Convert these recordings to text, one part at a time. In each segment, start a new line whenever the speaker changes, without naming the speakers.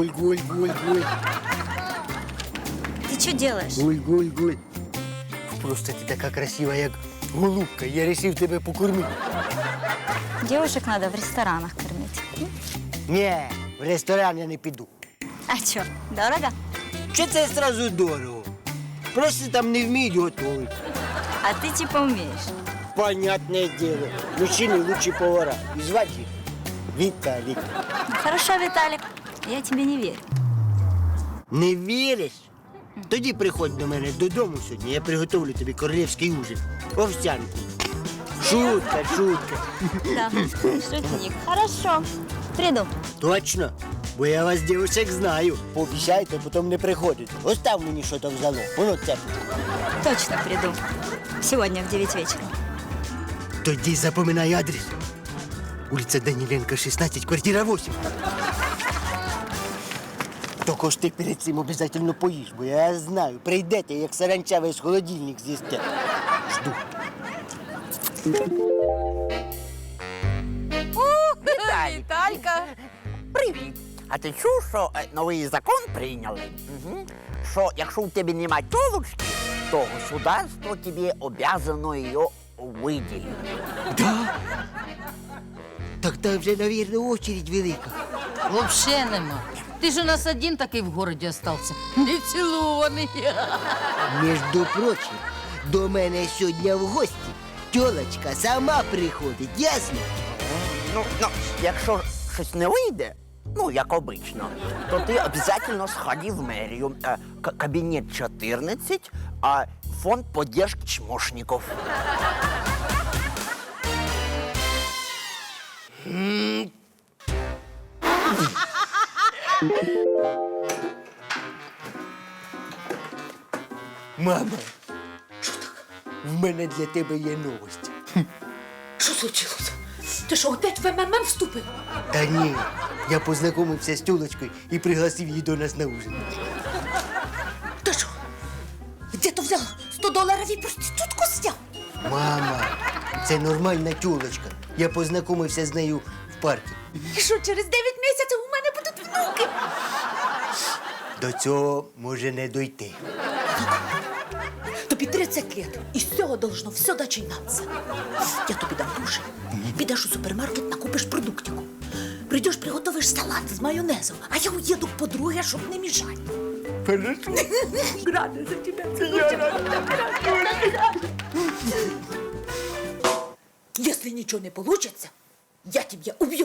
Гуль, гуль, гуль, гуль.
Ты что делаешь?
Гуль, гуль, гуль. Просто ти така красива, як голубка. Я вирішив тебе покормити.
Девушек надо в ресторанах кормить.
Ні, в ресторан я не піду.
А что, дорого?
Чи це сразу дорого? Просто там не вміють готувати.
А ты типа умеешь.
Понятне діло. Мужчини лучші повара. І звати їх Віталік.
Ну, хорошо, Виталик, я тебе не верю.
Не віриш? Тоді приходь до мене додому сьогодні, я приготовлю тобі королівський ужин. Овсянку. Шутка, шутка.
Да, шутник. Хорошо, приду.
Точно? Бо я вас, дівчаток, знаю. Пообіцяйте, потім не приходите. Остав мені що там взяло. Воно це.
Точно приду. Сегодня в 9 вечера.
Тоді запоминай адрес. Улиця Даніленка, 16, квартира 8. Тільки ж ти перед цим обов'язково поїж, бо я знаю, прийдете, як саранча весь холодильник з'їсте. Жду.
Віталька! Привіт! А ти чув, що новий закон прийняли? Що якщо у тебе немає тілочки, то государство тобі обязано її виділити.
Да? Так там вже, мабуть, очередь велика.
Вообще нема. Ти ж у нас один такий в городі остався. Не цілований.
Між прочим, до мене сьогодні в гості тьолочка сама приходить, ясно?
Ну, якщо щось не вийде, ну, як обично, то ти обов'язково сходи в мерію. Кабінет 14, а фонд поддержки чмошників.
Мама, в мене для тебе є новості.
Що случилось? Ти що, опять в МММ вступив?
Та ні, я познайомився з тьолочкою і пригласив її до нас на ужин.
Ти що? Де то взяв $100 і проститутку зняв?
Мама, це нормальна тьолочка. Я познайомився з нею в парку.
І що, через 9 місяців у мене будуть внуки?
До цього може не дойти.
Тобі 30 лет, і з цього должно все починатися. Я тобі дам гроші. Підеш у супермаркет, накупиш продуктику. Прийдеш, приготовиш салат з майонезом, а я уїду к подруге, щоб не мішати.
Хорошо.
Рада за тебе. Если ничего не получится, я тебя убью.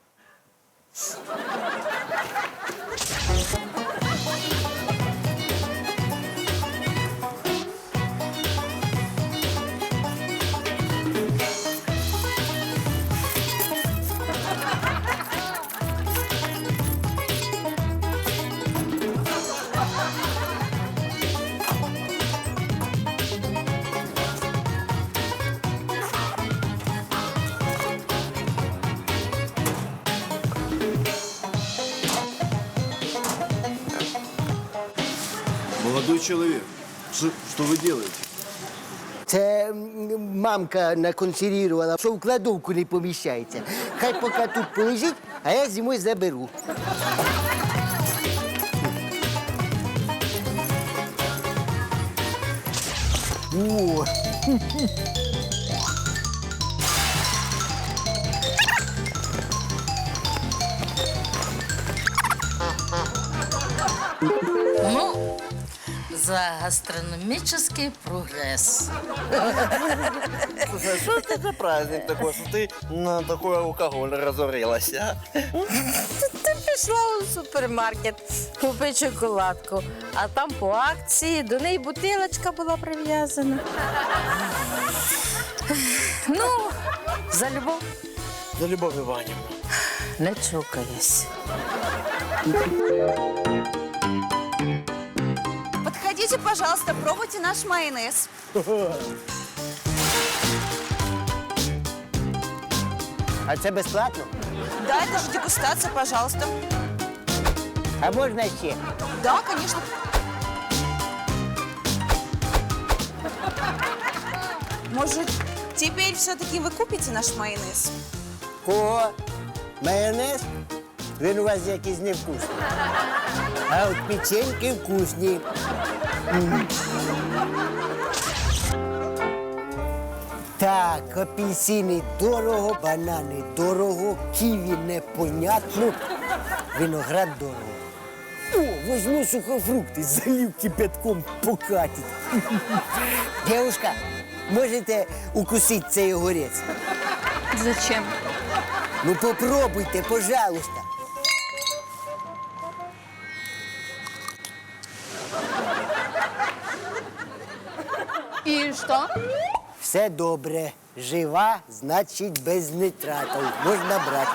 Молодой человек, что вы делаете?
Це мамка наконсервувала, що в кладовку не поміщається. Хай поки тут полежить, а я зимою заберу. О!
Ну, за гастрономический прогресс.
Слушай, а что это за праздник такой, что ты на такой алкоголь разорилась, а?
Ти пішла у супермаркет купити шоколадку, а там по акції до неї бутилочка була прив'язана. Ну, за любов
За Любовь Ивановна.
не чокаюсь.
Подходите, пожалуйста, пробуйте наш майонез.
А це безплатно?
Да, это же дегустация, пожалуйста.
А можна ще?
Да, конечно. Может, теперь все-таки вы купите наш майонез?
Кого? Майонез? Він у вас якийсь невкусний. А от печеньки вкусні. Так, апельсини дорого, банани дорого, ківі непонятно, виноград дорого. О, возьму сухофрукти, залив кипятком покатить. Девушка, можете укусити цей огурець?
Зачем?
Ну попробуйте, пожалуйста.
И что?
Все добре. Жива, значить без нитратів. Можна брати.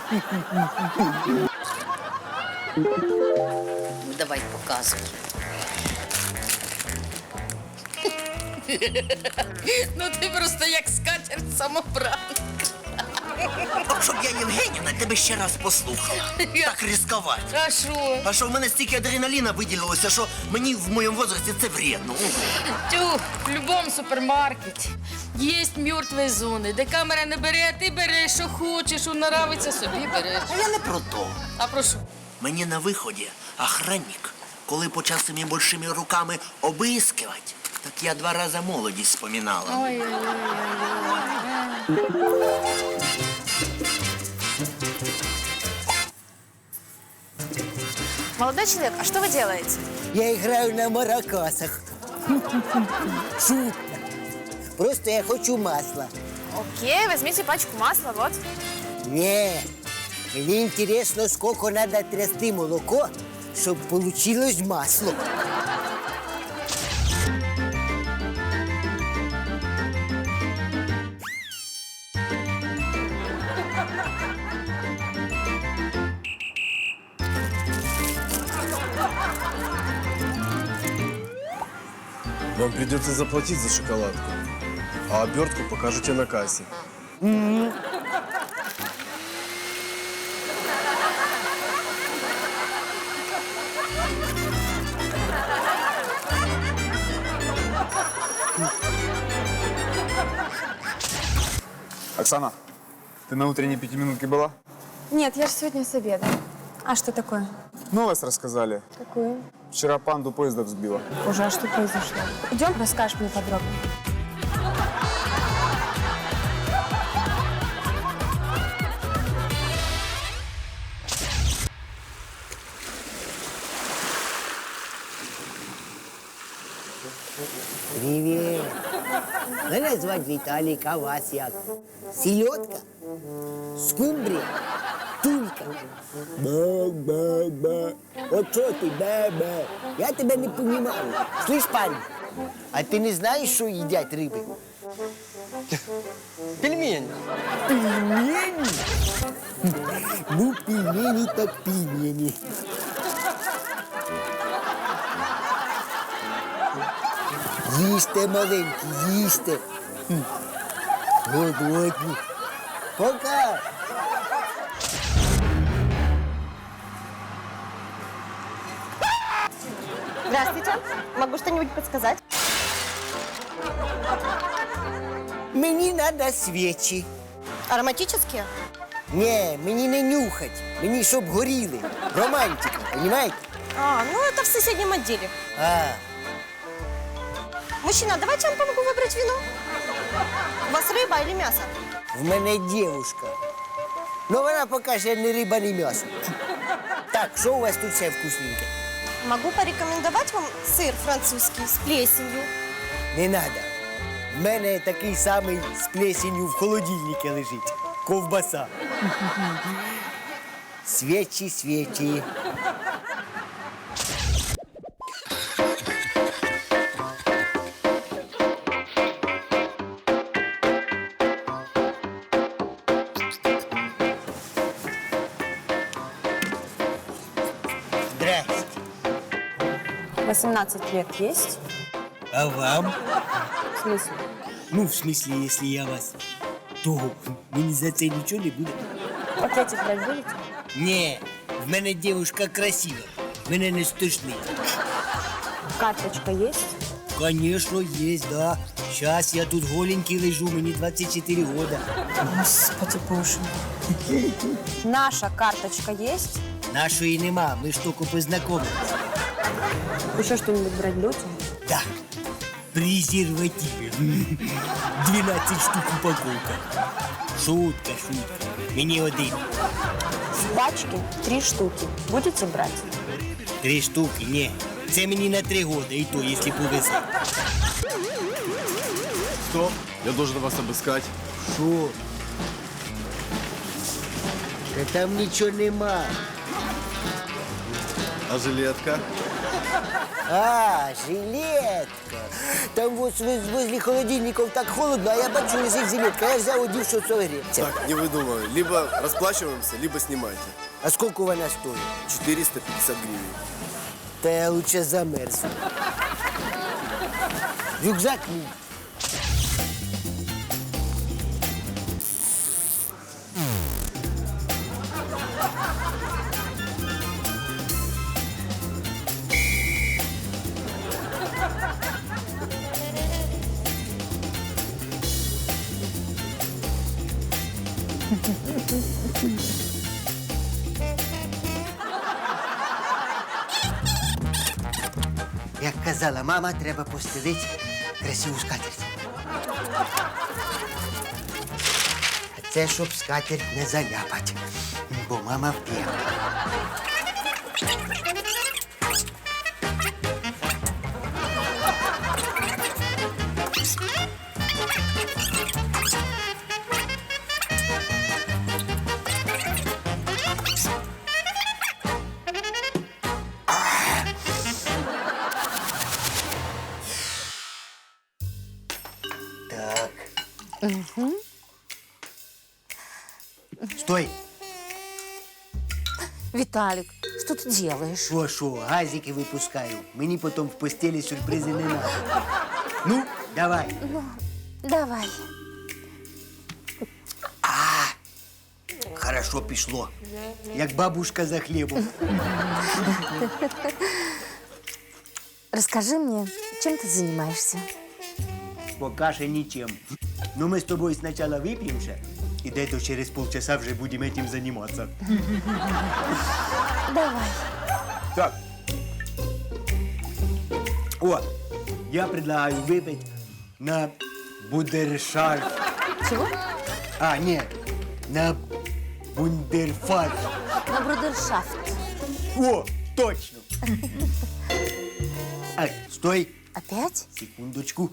Давай, показуй. Ну ти просто як скатерть самобранка.
От щоб я, Євгенівна, тебе ще раз послухала. Так ризикувати.
А що?
А що в мене стільки адреналіна виділилося, що мені в моєму возрасті це вредно.
Тю, в любому супермаркеті є мертві зони, де камера не бере, а ти береш, що хочеш, що нравиться, собі береш.
А я не про то.
А про що?
Мені на виході охранник, коли почав своїми большими руками обискивати, так я 2 рази молодість спомінала.
Молодой человек, а что вы делаете?
Я граю на маракасах. Шутка. Просто я хочу масла.
Окей, возьмите пачку масла, вот.
Не, мені інтересно, скільки треба трясти молоко, щоб вийшло масло.
Вам придется заплатить за шоколадку, а обертку покажете на кассе.
Оксана, ты на утренней пятиминутке была?
Нет, я же сегодня с обеда. А что такое?
Новость рассказали.
Какую?
Вчера панду поезда взбила.
Уже, а что произошло? Идем, расскажешь мне подробно.
Привіт. Мене звати Віталік, а вас як? Сільотка? Скумбрія? Тулька? Ба-ба-ба. От що ти, ба-ба? Я тебе не понімаю. Слышь, парень, а ти не знаєш, що їдять риби?
Пельмень.
Пельмені? Ну, пельмені так пельмені. Їсте, маленькі, їсте. Голодні. Пока.
Здравствуйте. Могу что-нибудь подсказать?
Мені треба свічі.
Ароматические?
Ні, мені не нюхать. Мені щоб горіли. Романтика, розумієте?
А, ну это в соседнем отделе.
А,
Мужчина, давайте я вам помогу выбрать вино. У вас рыба или мясо?
в мене дівушка. Ну вона поки ще не риба, не м'ясо. Так, що у вас тут все вкусненьке?
Могу порекомендовать вам сыр французский с плесенью.
Не треба. В мене такий самий з плесенью в холодильнику лежить. Ковбаса. Свічі, свічі. Здрасте.
18 лет есть?
А вам?
В смысле?
Ну, в смысле, если я вас, то мені за це нічого не буде.
Пакетик брать будете?
Ні, в мене дівчинка красива. Мене не стишнить.
Карточка есть?
Конечно, есть, да. Щас я тут голенький лежу, мені 24 года.
Господи боже. Наша карточка есть?
Нашої нема, ми ж тільки познайомились.
Еще что-нибудь брать будете?
Да. Презервативи. 12 штук упаковка. Шутка. Мені один.
С пачки 3 штуки. Будете брать?
3 штуки, ні. Це мені на 3 года, і то, якщо повезе.
Стоп, я должен вас обыскать.
Що? Та там нічого нема.
А жилетка?
А, жилетка. Там вот возле холодильников так холодно, а я бачу, лежить жилетка. Я взяв, одів, щоб согріться.
Так, не выдумывай. Либо расплачиваемся, либо снимайте.
А скільки вона стоїть?
450 гривен.
Та я лучше замерзну. Рюкзак мій. Як казала мама, треба постелити красиву скатерть. А це щоб скатерть не заляпать, бо мама вп'є. Так. Стой!
Виталик, что ты делаешь?
Шо, газики випускаю. Мені потім в постелі сюрпризи не надо. Ну, давай.
Давай.
Хорошо пішло. Як бабушка за хлібом.
Расскажи мне, чем ты занимаешься?
Пока що нічим. Ну, ми з тобою спочатку вип'ємося, і десь через полчаса вже будемо цим займатися.
Давай.
Так. О, я предлагаю выпить на бундершафт.
Чего?
А, нет, на бундерфарш.
На брудершафт.
О, точно. А, стой,
Опять?
секундочку.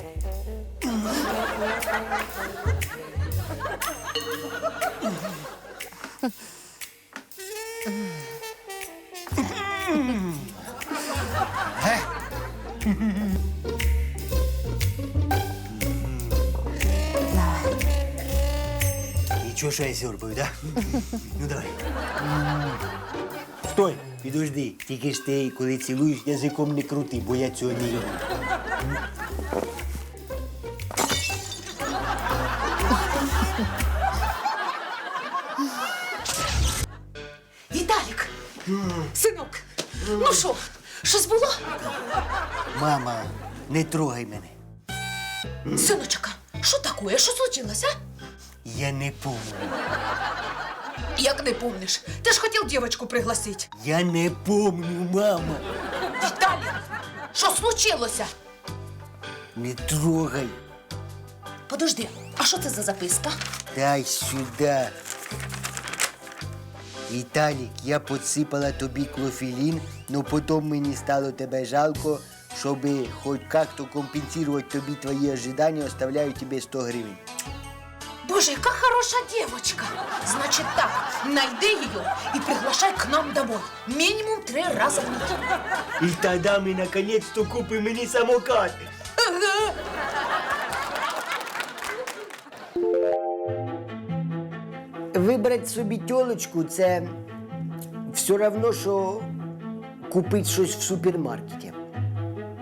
Ничего, что я сёрбаю, да? Ну, давай. Стой, підожди. Тільки ж ти, коли цілуєш, язиком не крути, бо я цього не люблю.
Віталік! Синок! Ну що, щось було?
Мама, не трогай мене.
Синочка, що таке? Що случилось, а?
Я не помню.
Як не помниш? Ти ж хотів дівчинку пригласити.
Я не помню, мама.
Віталік, що случилося?
Не трогай.
Подожди, а що це за записка?
Дай сюда. Віталік, я підсипала тобі клофелін, но потім мені стало тебе жалко, щоб хоч як-то компенсувати тобі твої ожидання, оставляю тобі 100 гривень.
Боже, яка хороша дівчинка. Значить так, найди її і приглашай к нам домой. Мінімум 3 рази в неділю.
І тоді ми наконець-то купимо мені самокат.
Ага.
Вибрати собі тьолочку – це все одно, що купити щось в супермаркеті.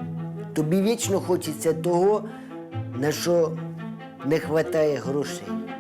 Тобі вічно хочеться того, на що не вистачає грошей.